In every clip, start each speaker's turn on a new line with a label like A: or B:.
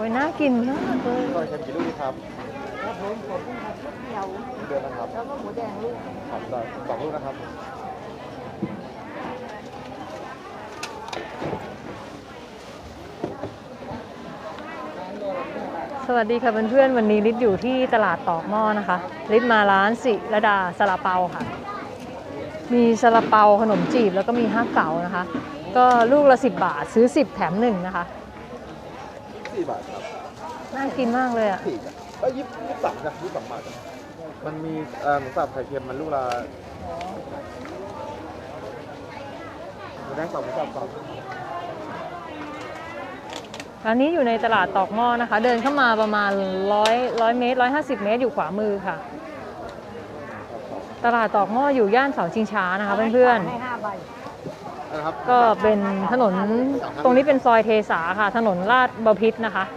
A: ยน่ากินมากเลย
B: ซอยเค็มกี่ลูกดีครับ
C: ครับผมขอบคุณครับลูกเดียว
B: เดือนนะครับ
C: แล้วก็หมูแดงลูก
B: ครับได้2 ลูกนะครับ
A: สวัสดีค่ะเพื่อนๆวันนี้ลิศอยู่ที่ตลาดตอกหม้อนะคะลิศมาร้านศิรดาซาลาเปาค่ะมีซาลาเปาขนมจีบแล้วก็มี5 เก๋านะคะก็ลูกละ10 บาทซื้อ10แถม1นะคะ
B: 4 บาทครับ
A: น่ากินมากเลยอ่ะ
B: 4จ้ะ23จ้ะ22 บาทจ้ะมันมีหมูสับไข่เค็มมันลูกละหมูแดง2หมูสับ2
A: ร้านนี้อยู่ในตลาดตอกหม้อนะคะเดินเข้ามาประมาณ100 เมตร150 เมตรอยู่ขวามือค่ะตลาดตอกหม้ออยู่ย่านเสาชิงช้านะคะเพื่อน
C: ให้5 ใบ
B: นะครับ
A: ๆก็เป็นถนนตรงนี้เป็นซอยเทสาค่ะถนนลาดบพิตรนะคะ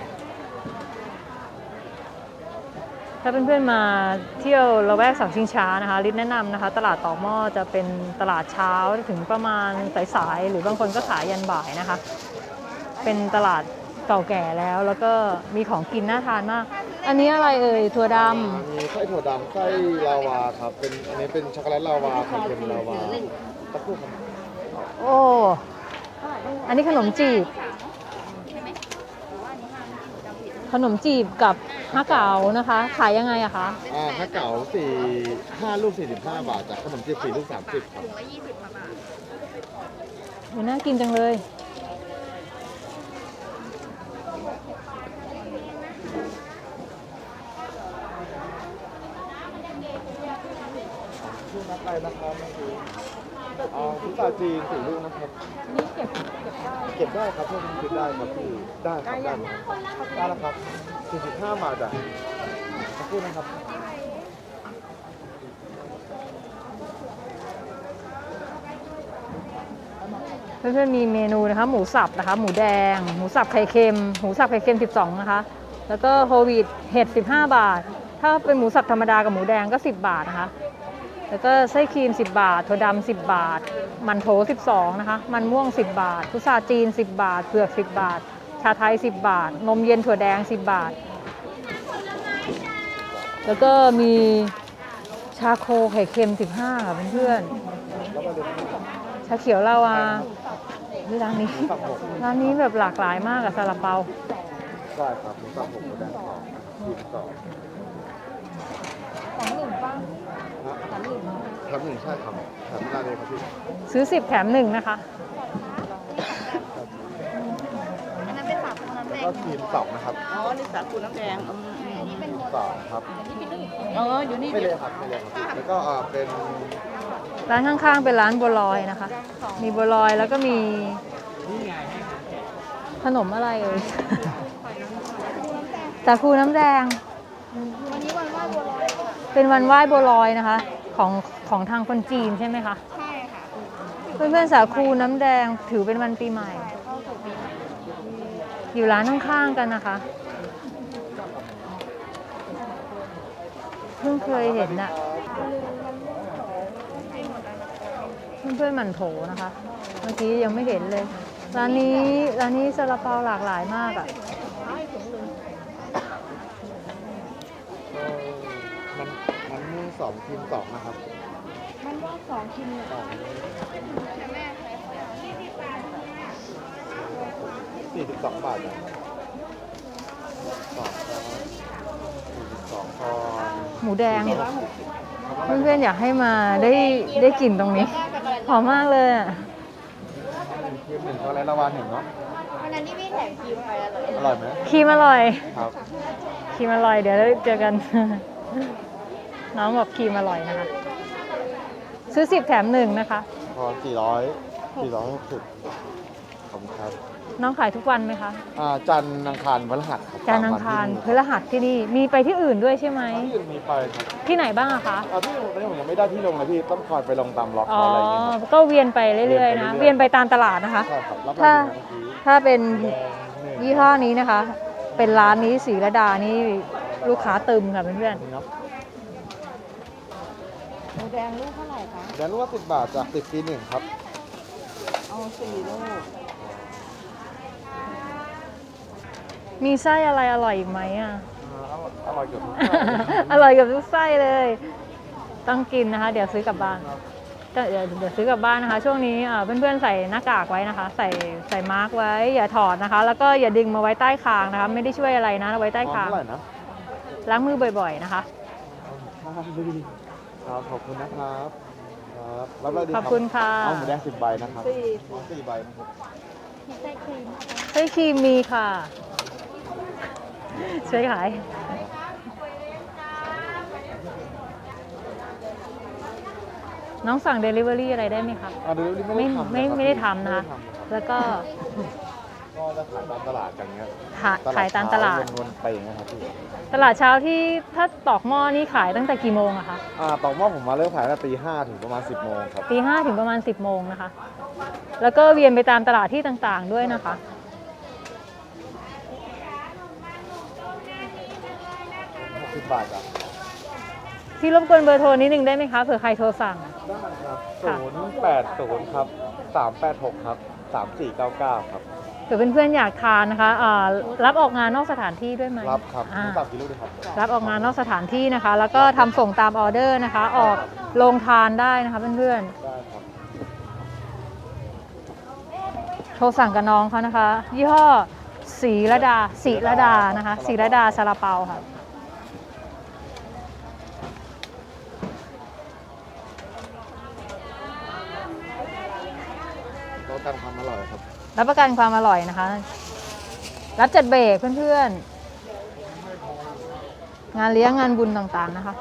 A: ถ้าเพื่อนๆมาเที่ยวละแวกเสาชิงช้านะคะลิศแนะนำนะคะตลาดตอกหม้อจะเป็นตลาดเช้าถึงประมาณสายๆหรือบางคนก็ขายยันบ่ายนะคะเป็นตลาดเก่าแก่แล้วก็มีของกินน่าทานมากอันนี้อะไรเอ่ยถั่วดำ
B: มีไส้ถั่วดำไส้ลาวาครับเป็นอันนี้เป็นช็อกโกแลตลาวาไข่เค็มลาวาตะกุ่ครับ
A: โอ้อันนี้ขนมจีบขนมจีบกับฮะเก๋านะคะขายยังไงอะคะ
B: ถ้าเก๋า5 ลูก45 บาทจากขนมจีบ4 ลูก30ครับ
A: น่ากินจังเลย
B: ลูกนัดไปนะครับพุทราจีน4 ลูกนะครับ
C: นี่เก็บได้
B: ครับเพื่อนคิดได้ครับพี่ได้ครับได้แล้วครับ45 บาทจ้ะขอบคุณนะครับ
A: เพื่อนๆมีเมนูนะคะหมูสับนะคะหมูแดงหมูสับไข่เค็มหมูสับไข่เค็ม12นะคะแล้วก็โฮลวีตเห็ด15 บาทถ้าเป็นหมูสับธรรมดากับหมูแดงก็10 บาทนะคะแล้วก็ไส้ครีม10 บาทถั่วดำ10 บาทมันโถ12นะคะมันม่วง10 บาทพุทราจีน10 บาทเผือก10 บาทชาไทย10 บาทนมเย็นถั่วแดง10 บาทแล้วก็มีชาโคไข่เค็ม15ค่ะเพื่อนๆชาเขียวลาวาร้านนี้แบบหลากหลายมากกับซาลาเปา
B: ได้ครับหมูสับ6หมูแดง2ชีส2
C: 1ป่ะ
B: แถม 1ใช่ครับแถมได้เลยครับพี่
A: ซื้อ10แถม1นะคะ
C: อันนั้นเป็น3 น้ำแดง
B: แล้วก็ครีม2นะครับ
C: อ๋อนี่3 น้ำแดงอันนี้เป็น
B: 2ครับ
C: อยู่นี่
B: ไม่เลยครับแล้วก็เป็น
A: ร้านข้างๆเป็นร้านบัวลอยนะคะมีบัวลอยแล้วก็มีขนมอะไรเอ่ยสาคูน้ำแดง
C: วันนี้วันไหว้บัวลอย
A: เป็นวันไหว้บัวลอยนะคะของทางคนจีนใช่ไหมคะ
C: ใช่ค่ะ
A: เพื่อนๆสาคูน้ำแดงถือเป็นวันปีใหม่อยู่ร้านข้างๆกันนะคะเพิ่งเคยเห็นน่ะเพื่อนๆหมั่นโถนะคะเมื่อกี้ยังไม่เห็นเลยร้านนี้ซาลาเปาหลากหลายมากอ่ะ
B: มันม่วง2ครีม2นะครับ
C: มันว่า2 ชิ้นเลย
B: 42 บาทจ้ะ42 พอ
A: หมูแดงเพื่อนๆอยากให้มาได้กลิ่นตรงนี้หอมมากเลยอ่ะ
B: ครีม1ช็อกโกแลตลาวา1เนาะ
C: วันนั้นนี่พี่แถมครีมไป
B: อร่อยไหม
A: ครีมอร่อย
B: ครับ
A: ครีมอร่อยเดี๋ยวเจอกันน้องบอกครีมอร่อยนะคะซื้อ10แถม1นะคะ
B: พอ460ขอบคุณครับ
A: น้องขายทุกวันไหมคะ
B: จันทร์อังคารพฤหัส
A: จันทร์อังคารพฤหัสที่นี่มีไปที่อื่นด้วยใช่ไหม
B: ที่อื่นมีไปครับ
A: ที่ไหนบ้างอะคะ
B: ที่ตอนนี้ผมยังไม่ได้ที่ลงเลยพี่ต้องคอยไปลงตามล็อกอะไรอย่างเงี้ย
A: ก็เวียนไปเรื่อยๆนะเวียนไปตามตลาดนะคะ
B: ใช่ครับ
A: ถ้าเป็นยี่ห้อนี้นะคะเป็นร้านนี้ศรีระดานี่ลูกค้าตึมค่ะเพื่อน
C: ๆหมูแดงลูกเท่าไหร่คะ
B: แดงลูกละ10 บาทจาก10 ปี1ครับ
C: เอา4 ลูก
A: มีไส้อะไรอร่อยอีกไหมอ่ะ
B: อร่อยเกือบทุก
A: อร่อยกับทุกไส้เลย ต้องกินนะคะ เดี๋ยวซื้อกลับบ้านก็เดี๋ยวซื้อกลับบ้านนะคะ ช่วงนี้เพื่อนๆใส่หน้ากากไว้นะคะ ใส่มาร์กไว้ อย่าถอดนะคะ แล้วก็อย่าดึงมาไว้ใต้คางนะคะ ไม่ได้ช่วยอะไรนะเอาไว้ใต้คาง
B: เท่าไหร่นะ
A: ล้างมือบ่อยๆนะคะ
B: ครับขอบคุณนะครับครับรับได้ดี
A: ขอบคุณค่ะ
B: เอาหมูแดง10 ใบนะครับ4 ใบนะครับ
C: มีไส้ครีม
A: ไส้ครีมมีค่ะ ช่วยขาย น้องสั่ง Delivery อะไรได้ไหมคะ
B: เดี๋ยว
A: ไม่
B: ไม่ได้ทำ
A: ไม่ได้ทำนะคะ
B: ไม่ได้ทำครับ
A: แล้วก็
B: ก็จะขายตามตลาดกันเงี้ย
A: ขายตามตลาด
B: วนๆไปอย่างเงี้ยครับพี่
A: ตลาดเช้าที่ถ้าตอกหม้อนี่ขายตั้งแต่กี่โมงอะคะ
B: ตอกหม้อผมมาเริ่มขายตั้งแต่ตี 5 ถึงประมาณ 10 โมงครับ
A: ตี 5 ถึงประมาณ 10 โมงนะคะ แล้วก็เวียนไปตามตลาดที่ต่างๆด้วยนะคะ
B: 60 บาทจ้ะ
A: พี่รบกวนเบอร์โทรนิดนึงได้ไหมคะเผื่อใครโทรสั่ง
B: ได้ครับ
A: ค่ะ
B: 080ครับ386ครับ3499ครับ
A: เผื่อเพื่อนๆอยากทานนะคะรับออกงานนอกสถานที่ด้วยไหม
B: รับครับ
A: อ่า
B: สั่งกี่ลูกดีครับ
A: รับออกงานนอกสถานที่นะคะ แล้วก็ทำส่งตามออเดอร์นะคะ ออกโรงทานได้นะคะเพื่อน
B: ได้ครับ
A: ๆโทรสั่งกับน้องเขานะคะ ยี่ห้อศรีระดานะคะศรีระดาซาลาเปาค่ะ
B: รสการความอร่อยครับ
A: รับประกันความอร่อยนะคะ รับจัดเบรกเพื่อนๆ งานเลี้ยงงานบุญต่างๆนะคะ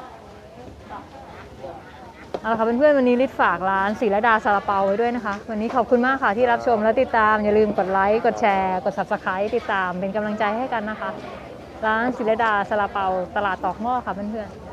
A: เอาละค่ะเพื่อนๆวันนี้ลิศฝากร้านศรีระดาซาลาเปาไว้ด้วยนะคะ วันนี้ขอบคุณมากค่ะที่รับชมและติดตาม อย่าลืมกดไลค์ กดแชร์ กด Subscribe ติดตามเป็นกำลังใจให้กันนะคะ ร้านศรีระดาซาลาเปาตลาดตอกหม้อค่ะเพื่อนๆ